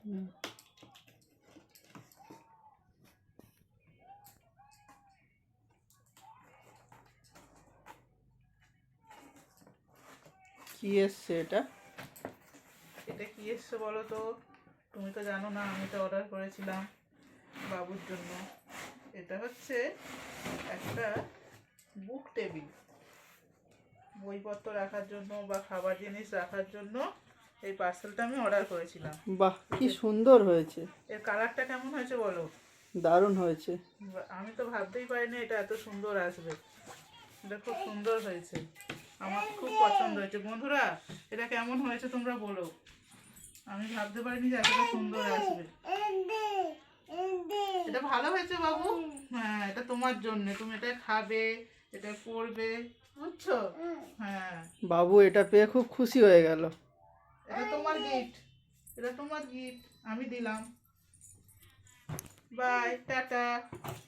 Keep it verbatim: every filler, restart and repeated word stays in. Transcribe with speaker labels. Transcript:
Speaker 1: কি এসছে এটা?
Speaker 2: এটা কি এসছে বলো তো? তুমি তো জানো না, আমি তো অর্ডার করেছিলাম বাবুর জন্য। এটা হচ্ছে একটা বুক টেবিল, বইপত্র রাখার জন্য বা খাবার জিনিস রাখার জন্য এই পার্সেলটা আমি অর্ডার করেছিলাম।
Speaker 1: বাহ, কি সুন্দর হয়েছে!
Speaker 2: এর কালারটা কেমন হয়েছে বলো?
Speaker 1: দারুণ হয়েছে।
Speaker 2: আমি তো ভাবতেই পারিনি এটা এত সুন্দর আসবে। এটা খুব সুন্দর হয়েছে, আমার খুব পছন্দ হয়েছে। বন্ধুরা, এটা কেমন হয়েছে তোমরা বলো। আমি ভাবতে পারিনি যে এতটা সুন্দর আসবে। এটা ভালো হয়েছে বাবু? হ্যাঁ, এটা তোমার জন্য, তুমি এটা খাবে, এটা পড়বে, বুঝছো? হ্যাঁ,
Speaker 1: বাবু এটা পেয়ে খুব খুশি হয়ে গেল।
Speaker 2: এটা তোমার গিফট, এটা তোমার গিফট আমি দিলাম। Bye, tata.